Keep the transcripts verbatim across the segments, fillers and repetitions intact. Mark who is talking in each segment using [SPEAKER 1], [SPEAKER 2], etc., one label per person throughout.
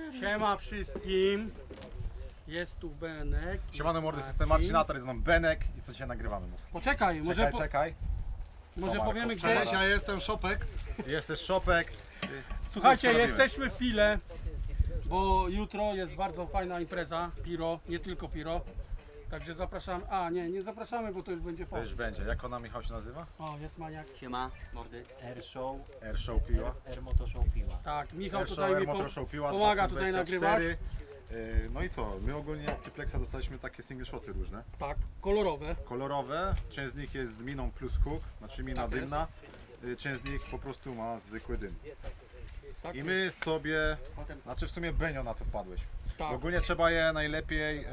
[SPEAKER 1] Siema wszystkim. Jest tu Benek.
[SPEAKER 2] Siemano mordy, system Marcinator, jest nam Benek i co dzisiaj nagrywamy? Mów.
[SPEAKER 1] Poczekaj, może,
[SPEAKER 2] Czekaj,
[SPEAKER 1] po,
[SPEAKER 2] czekaj.
[SPEAKER 1] może
[SPEAKER 2] Marko,
[SPEAKER 1] powiemy gdzie.
[SPEAKER 2] cześć,
[SPEAKER 3] Ja jestem Szopek.
[SPEAKER 2] Jest też Szopek.
[SPEAKER 1] Słuchajcie,
[SPEAKER 2] Co robimy?
[SPEAKER 1] jesteśmy w Pile, bo jutro jest bardzo fajna impreza, Piro, nie tylko Piro. Także zapraszamy, a nie, nie zapraszamy, bo to już będzie
[SPEAKER 2] To
[SPEAKER 1] po.
[SPEAKER 2] już będzie. Jak ona, Michał, się nazywa?
[SPEAKER 1] O, jest maniak.
[SPEAKER 4] Siema, mordy.
[SPEAKER 5] Air Show,
[SPEAKER 2] Air Show Piła.
[SPEAKER 5] Air Moto Show Piła.
[SPEAKER 1] Tak, Michał
[SPEAKER 2] Air Show,
[SPEAKER 1] tutaj
[SPEAKER 2] Air
[SPEAKER 1] mi
[SPEAKER 2] Motor
[SPEAKER 1] pom
[SPEAKER 2] Show Piła
[SPEAKER 1] pomaga tutaj
[SPEAKER 2] dwa tysiące dwadzieścia cztery. Yy, No i co? My ogólnie od Triplexa dostaliśmy takie single shoty różne.
[SPEAKER 1] tak, kolorowe.
[SPEAKER 2] Kolorowe. Część z nich jest z miną plus hook, znaczy mina
[SPEAKER 1] Tak jest.
[SPEAKER 2] dymna. Yy, Część z nich po prostu ma zwykły dym.
[SPEAKER 1] Tak
[SPEAKER 2] I my sobie,
[SPEAKER 1] Potem,
[SPEAKER 2] znaczy w sumie Benio na to wpadłeś.
[SPEAKER 1] tak,
[SPEAKER 2] Ogólnie trzeba je najlepiej yy,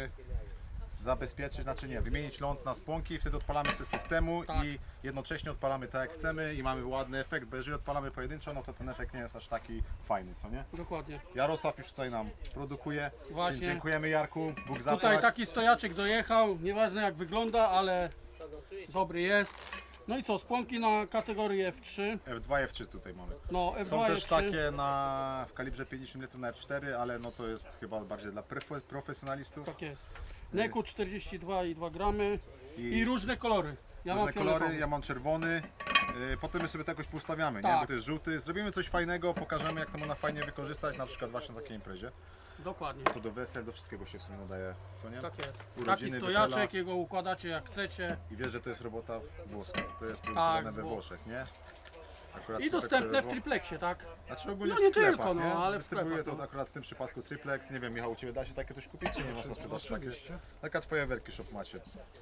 [SPEAKER 2] zabezpieczyć, znaczy nie, wymienić ląd na spłonki, wtedy odpalamy z systemu
[SPEAKER 1] Tak.
[SPEAKER 2] i jednocześnie odpalamy tak jak chcemy i mamy ładny efekt, bo jeżeli odpalamy pojedynczo, no to ten efekt nie jest aż taki fajny, co nie?
[SPEAKER 1] dokładnie.
[SPEAKER 2] Jarosław już tutaj nam produkuje,
[SPEAKER 1] Właśnie.
[SPEAKER 2] Dzie- dziękujemy Jarku, Bóg zapłać.
[SPEAKER 1] Tutaj taki stojaczek dojechał, nieważne jak wygląda, ale dobry jest. No i co, spłonki na kategorii F trzy,
[SPEAKER 2] F dwa i F trzy tutaj mamy.
[SPEAKER 1] no F
[SPEAKER 2] Są
[SPEAKER 1] dwa,
[SPEAKER 2] też
[SPEAKER 1] F trzy.
[SPEAKER 2] takie na, w kalibrze pięćdziesiąt litrów na F cztery, ale no to jest chyba bardziej dla profe- profesjonalistów.
[SPEAKER 1] Tak jest. Neku czterdzieści dwa i dwa gramy i,
[SPEAKER 2] I
[SPEAKER 1] różne kolory. Ja
[SPEAKER 2] różne
[SPEAKER 1] mam
[SPEAKER 2] kolory,
[SPEAKER 1] fioletowy.
[SPEAKER 2] ja mam czerwony. Yy, potem my sobie to jakoś poustawiamy, nie?
[SPEAKER 1] Tak.
[SPEAKER 2] Bo to jest żółty. Zrobimy coś fajnego, pokażemy jak to można fajnie wykorzystać, na przykład właśnie na takiej imprezie.
[SPEAKER 1] Dokładnie.
[SPEAKER 2] To do wesel, do wszystkiego się w sumie nadaje, co nie?
[SPEAKER 1] Tak jest. Taki
[SPEAKER 2] Urodziny,
[SPEAKER 1] stojaczek,
[SPEAKER 2] wesela.
[SPEAKER 1] jego układacie jak chcecie.
[SPEAKER 2] I wiesz, że to jest robota włoska. To jest produkowane
[SPEAKER 1] z
[SPEAKER 2] we
[SPEAKER 1] Włoch.
[SPEAKER 2] Włoszech, nie? Akurat
[SPEAKER 1] I
[SPEAKER 2] to
[SPEAKER 1] dostępne
[SPEAKER 2] tak
[SPEAKER 1] w
[SPEAKER 2] sobie
[SPEAKER 1] triplexie, tak?
[SPEAKER 2] Znaczy ogólnie
[SPEAKER 1] No
[SPEAKER 2] w
[SPEAKER 1] nie
[SPEAKER 2] sklepach,
[SPEAKER 1] tylko, no,
[SPEAKER 2] nie?
[SPEAKER 1] ale w
[SPEAKER 2] Dystrybuuje
[SPEAKER 1] sklepach,
[SPEAKER 2] to
[SPEAKER 1] no.
[SPEAKER 2] akurat w tym przypadku Triplex. Nie wiem, Michał, u Ciebie da się takie coś kupić, czy nie można sprzedać takie?
[SPEAKER 3] Oczywiście.
[SPEAKER 2] Taka Twoja werki shop macie.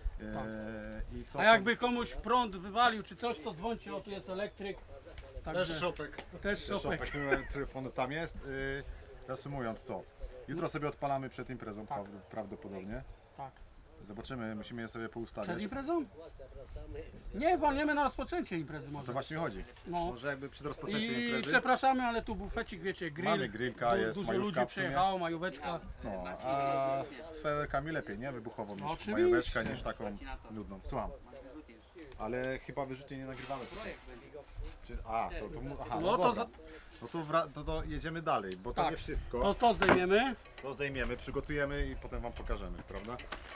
[SPEAKER 2] Eee, i co
[SPEAKER 1] A jakby komuś prąd wywalił czy coś, to dzwońcie, o tu jest elektryk. Także
[SPEAKER 3] Też Szopek.
[SPEAKER 1] też
[SPEAKER 2] Shopek,
[SPEAKER 1] szopek.
[SPEAKER 2] numer telefonu tam jest. Yy, reasumując, co? Jutro sobie odpalamy przed imprezą
[SPEAKER 1] Tak.
[SPEAKER 2] praw- prawdopodobnie.
[SPEAKER 1] Tak.
[SPEAKER 2] Zobaczymy, musimy je sobie poustawiać.
[SPEAKER 1] Przed imprezą? Nie, walniemy na rozpoczęcie imprezy
[SPEAKER 2] To
[SPEAKER 1] może.
[SPEAKER 2] właśnie mi chodzi.
[SPEAKER 1] No.
[SPEAKER 2] Może jakby przed rozpoczęciem
[SPEAKER 1] I
[SPEAKER 2] imprezy.
[SPEAKER 1] przepraszamy, ale tu bufecik, wiecie, grill.
[SPEAKER 2] Mamy grillka, jest
[SPEAKER 1] Dużo
[SPEAKER 2] majówka
[SPEAKER 1] ludzi
[SPEAKER 2] w sumie.
[SPEAKER 1] przyjechało, majóweczka.
[SPEAKER 2] No, a z fajerwerkami lepiej, nie? Wybuchowo niż
[SPEAKER 1] No, oczywiście.
[SPEAKER 2] majóweczka, niż taką nudną. Słucham. Ale chyba wyrzutnie nie nagrywamy. Czy, a, to, to, mu- aha, no,
[SPEAKER 1] No to
[SPEAKER 2] dobra.
[SPEAKER 1] za-
[SPEAKER 2] No to, wra- to, to jedziemy dalej, bo to
[SPEAKER 1] Tak.
[SPEAKER 2] nie wszystko.
[SPEAKER 1] To to zdejmiemy.
[SPEAKER 2] To zdejmiemy, przygotujemy i potem Wam pokażemy, prawda?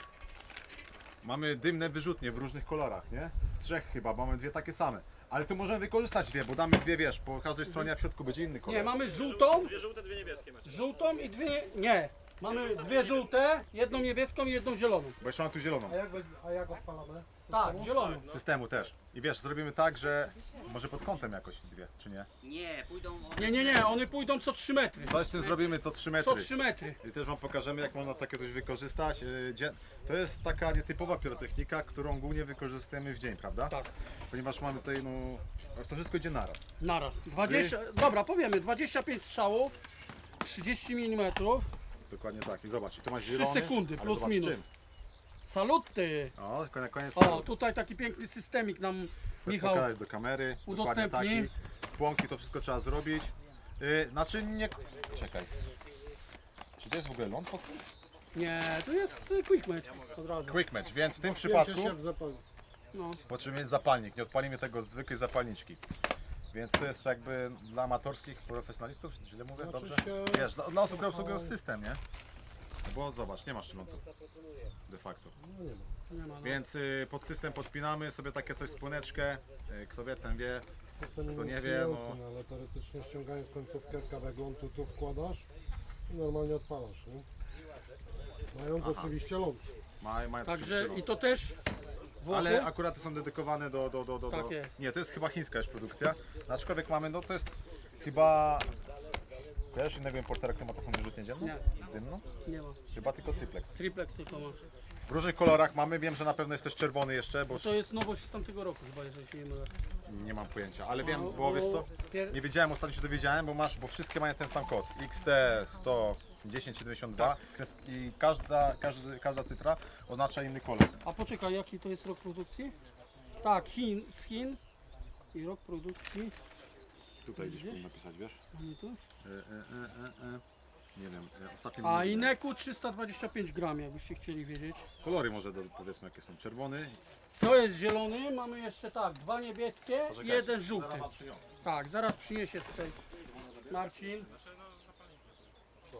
[SPEAKER 2] Mamy dymne wyrzutnie w różnych kolorach, nie? W trzech chyba, bo mamy dwie takie same. Ale tu możemy wykorzystać dwie, bo damy dwie, wiesz, po każdej stronie, a w środku będzie inny kolor.
[SPEAKER 1] Nie, mamy żółtą. Dwie żółte, dwie niebieskie macie. Żółtą i dwie. Nie. Mamy dwie żółte, jedną niebieską i jedną zieloną.
[SPEAKER 2] Bo jeszcze mam tu zieloną.
[SPEAKER 3] A jak, a jak odpalamy? Z
[SPEAKER 1] Tak,
[SPEAKER 3] systemu?
[SPEAKER 1] zieloną.
[SPEAKER 2] Systemu też. I wiesz, zrobimy tak, że może pod kątem jakoś dwie, czy nie?
[SPEAKER 4] Nie, pójdą one.
[SPEAKER 1] Nie, nie, nie, one pójdą co trzy metry.
[SPEAKER 2] Coś z tym zrobimy co trzy
[SPEAKER 1] Co
[SPEAKER 2] metry.
[SPEAKER 1] trzy metry.
[SPEAKER 2] I też Wam pokażemy, jak można takie coś wykorzystać. Yy, dzie- To jest taka nietypowa pirotechnika, którą głównie wykorzystujemy w dzień, prawda?
[SPEAKER 1] Tak.
[SPEAKER 2] Ponieważ mamy tutaj, no, to wszystko idzie naraz.
[SPEAKER 1] Naraz. dwadzieścia, dobra, powiemy, dwadzieścia pięć strzałów, trzydzieści milimetrów.
[SPEAKER 2] Dokładnie tak. I zobacz, i tu masz
[SPEAKER 1] Trzy
[SPEAKER 2] zielony,
[SPEAKER 1] sekundy,
[SPEAKER 2] ale
[SPEAKER 1] plus
[SPEAKER 2] zobacz
[SPEAKER 1] minus.
[SPEAKER 2] czym.
[SPEAKER 1] Saluty.
[SPEAKER 2] O, tylko na koniec.
[SPEAKER 1] O, tutaj taki piękny systemik nam
[SPEAKER 2] Chcesz
[SPEAKER 1] Michał.
[SPEAKER 2] pokazać do kamery. Dokładnie
[SPEAKER 1] udostępni.
[SPEAKER 2] taki. Spłonki, to wszystko trzeba zrobić. Yy, znaczy nie... Czekaj. Czy to jest w ogóle ląd? pod tym?
[SPEAKER 1] Nie, tu jest y, quick match od razu.
[SPEAKER 2] Quick match, więc w tym
[SPEAKER 3] Przypadku
[SPEAKER 2] przypadku
[SPEAKER 3] się w zapalniku.
[SPEAKER 1] No.
[SPEAKER 2] potrzebujemy mieć zapalnik. Nie odpalimy tego z zwykłej zapalniczki. Więc to jest jakby dla amatorskich profesjonalistów, źle mówię,
[SPEAKER 3] Znaczy
[SPEAKER 2] dobrze?
[SPEAKER 3] się-
[SPEAKER 2] Wiesz, dla, dla osób, które obsługują system, nie? Bo zobacz, nie masz lądu. De facto.
[SPEAKER 3] No nie ma.
[SPEAKER 1] Nie ma, no.
[SPEAKER 2] Więc y, pod system podpinamy sobie takie coś spłoneczkę. Y, kto wie, ten wie.
[SPEAKER 3] System
[SPEAKER 2] To nie wie, no.
[SPEAKER 3] inicjujący, no, ale teoretycznie ściągając końcówkę kawałek lądu tu wkładasz i normalnie odpalasz, nie? Mając oczywiście ląd.
[SPEAKER 2] Ma, mają
[SPEAKER 1] Także i to też Włochy?
[SPEAKER 2] Ale akurat te są dedykowane do, do, do, do,
[SPEAKER 1] Tak
[SPEAKER 2] do...
[SPEAKER 1] jest.
[SPEAKER 2] Nie, to jest chyba chińska już produkcja. Aczkolwiek mamy, no to jest chyba... Kojarzysz innego importera, który ma taką wyrzutnię dzienną?
[SPEAKER 1] Nie.
[SPEAKER 2] Dymną?
[SPEAKER 1] Nie ma.
[SPEAKER 2] Chyba tylko Triplex.
[SPEAKER 1] Triplex tylko ma.
[SPEAKER 2] W różnych kolorach mamy, wiem, że na pewno jest też czerwony jeszcze, bo
[SPEAKER 1] To jest nowość z tamtego roku chyba, jeżeli się nie mylę.
[SPEAKER 2] nie mam pojęcia, ale wiem,
[SPEAKER 1] No,
[SPEAKER 2] bo wiesz co?
[SPEAKER 1] pier-
[SPEAKER 2] Nie wiedziałem, ostatnio się dowiedziałem, bo masz, bo wszystkie mają ten sam kod. X T sto dziesięć siedemdziesiąt dwa kres- i każda, każdy, każda cyfra oznacza inny kolor.
[SPEAKER 1] A poczekaj, jaki to jest rok produkcji? Tak, Chin, z Chin. I rok produkcji.
[SPEAKER 2] Tutaj gdzieś
[SPEAKER 1] Gdzieś?
[SPEAKER 2] powinien napisać, wiesz?
[SPEAKER 1] Mamy tu.
[SPEAKER 2] E, e, e, e, e. Nie wiem, e, ostatnio
[SPEAKER 1] A
[SPEAKER 2] nie
[SPEAKER 1] i
[SPEAKER 2] wiem.
[SPEAKER 1] Neku trzysta dwadzieścia pięć gram, jakbyście chcieli wiedzieć.
[SPEAKER 2] Kolory może do, powiedzmy jakie są. Czerwony.
[SPEAKER 1] To jest zielony, mamy jeszcze tak, dwa niebieskie i
[SPEAKER 2] Poczekajcie,
[SPEAKER 1] jeden żółty.
[SPEAKER 2] zaraz wam przyniosę.
[SPEAKER 1] Tak, zaraz przyniesie tutaj Marcin.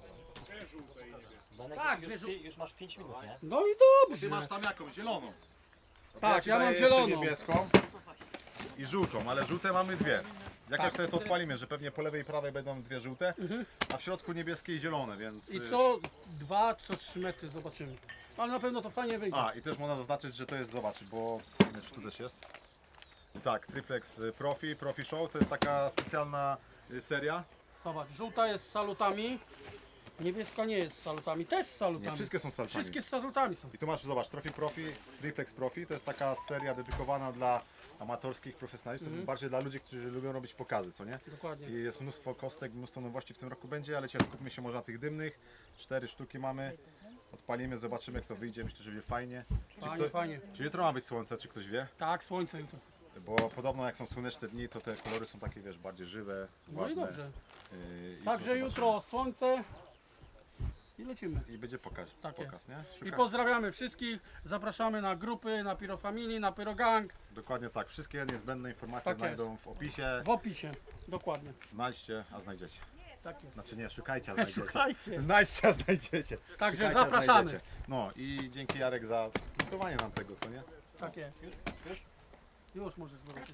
[SPEAKER 4] Danek,
[SPEAKER 1] Tak,
[SPEAKER 4] już,
[SPEAKER 1] wiesz,
[SPEAKER 4] pi- już masz pięć minut, nie?
[SPEAKER 1] No i
[SPEAKER 2] Ty
[SPEAKER 1] dobrze.
[SPEAKER 2] masz tam jaką? Zieloną. No to
[SPEAKER 1] Tak,
[SPEAKER 2] ci
[SPEAKER 1] ja
[SPEAKER 2] daję
[SPEAKER 1] mam
[SPEAKER 2] jeszcze
[SPEAKER 1] zieloną.
[SPEAKER 2] niebieską i żółtą, ale żółte mamy dwie. Jakoś
[SPEAKER 1] Tak.
[SPEAKER 2] sobie to odpalimy, że pewnie po lewej i prawej będą dwie żółte, a w środku niebieskie i zielone, więc...
[SPEAKER 1] I
[SPEAKER 2] y,
[SPEAKER 1] co dwa, co trzy metry zobaczymy. Ale na pewno to fajnie wyjdzie.
[SPEAKER 2] A, i też można zaznaczyć, że to jest, zobacz, bo nie wiem, czy tu też jest. I tak, Triplex y, Profi, Profi Show, to jest taka specjalna y, seria.
[SPEAKER 1] Zobacz, żółta jest z salutami, niebieska nie jest z salutami, też z salutami.
[SPEAKER 2] Nie, wszystkie są salutami.
[SPEAKER 1] Wszystkie z salutami są.
[SPEAKER 2] I tu masz, zobacz, Trophy Profi, Triplex Profi, to jest taka seria dedykowana dla amatorskich profesjonalistów, bardziej dla ludzi, którzy lubią robić pokazy, co nie?
[SPEAKER 1] Dokładnie.
[SPEAKER 2] I jest mnóstwo kostek, mnóstwo nowości w tym roku będzie, ale dzisiaj skupmy się może na tych dymnych. Cztery sztuki mamy. Odpalimy, zobaczymy jak to wyjdzie, myślę, że będzie fajnie. Czy,
[SPEAKER 1] Fajnie,
[SPEAKER 2] kto,
[SPEAKER 1] fajnie.
[SPEAKER 2] czy jutro ma być słońce, czy ktoś wie?
[SPEAKER 1] Tak, słońce jutro.
[SPEAKER 2] Bo podobno jak są słoneczne dni, to te kolory są takie, wiesz, bardziej żywe,
[SPEAKER 1] No
[SPEAKER 2] ładne.
[SPEAKER 1] i dobrze.
[SPEAKER 2] Yy, i
[SPEAKER 1] Także
[SPEAKER 2] zobaczymy.
[SPEAKER 1] jutro słońce i lecimy.
[SPEAKER 2] I będzie pokaz,
[SPEAKER 1] Tak
[SPEAKER 2] pokaz
[SPEAKER 1] jest.
[SPEAKER 2] nie?
[SPEAKER 1] I
[SPEAKER 2] Szuka...
[SPEAKER 1] pozdrawiamy wszystkich, zapraszamy na grupy, na Pyro Family, na Pyro Gang,
[SPEAKER 2] Dokładnie tak, wszystkie niezbędne informacje
[SPEAKER 1] Tak jest.
[SPEAKER 2] znajdą w opisie.
[SPEAKER 1] w opisie. Dokładnie.
[SPEAKER 2] Znajdźcie, a znajdziecie.
[SPEAKER 1] Tak jest.
[SPEAKER 2] Znaczy nie, szukajcie, a znajdziecie.
[SPEAKER 1] Szukajcie.
[SPEAKER 2] Znajdźcie, a znajdziecie.
[SPEAKER 1] Także
[SPEAKER 2] Szukajcie, a
[SPEAKER 1] zapraszamy.
[SPEAKER 2] znajdziecie. No i dzięki Jarek za gotowanie nam tego, co nie?
[SPEAKER 1] Tak jest. Już? Już? Już możesz zobaczyć.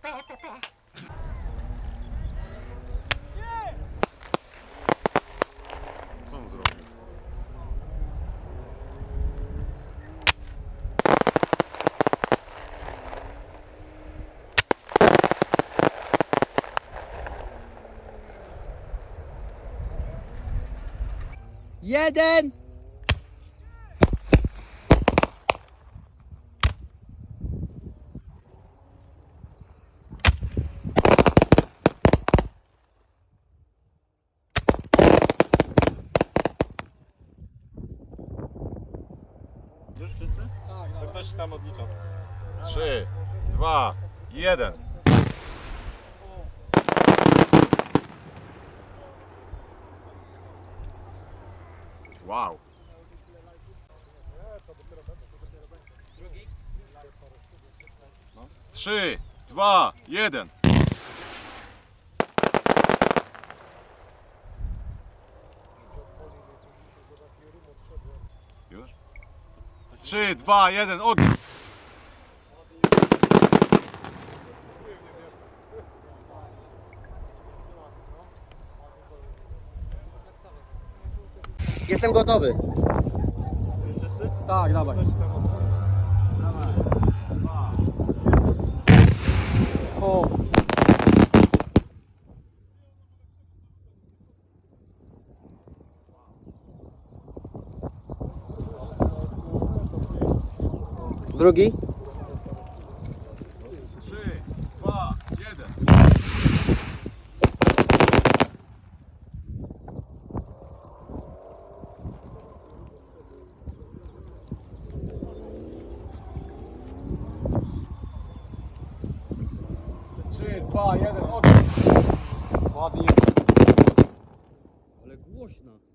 [SPEAKER 2] Co on zrobił?
[SPEAKER 4] Jeden!
[SPEAKER 5] Już wszyscy? To ktoś tam odlicza.
[SPEAKER 2] Trzy, dwa, jeden. Wow. Trzy, dwa, jeden. Już? Trzy, dwa, jeden, ogień.
[SPEAKER 4] Jestem gotowy.
[SPEAKER 1] Tak, dawaj. O.
[SPEAKER 4] Drugi.
[SPEAKER 2] Trzy, dwa, jeden. Trzy, dwa, jeden, ogień.
[SPEAKER 1] Ładnie.
[SPEAKER 4] Ale głośno.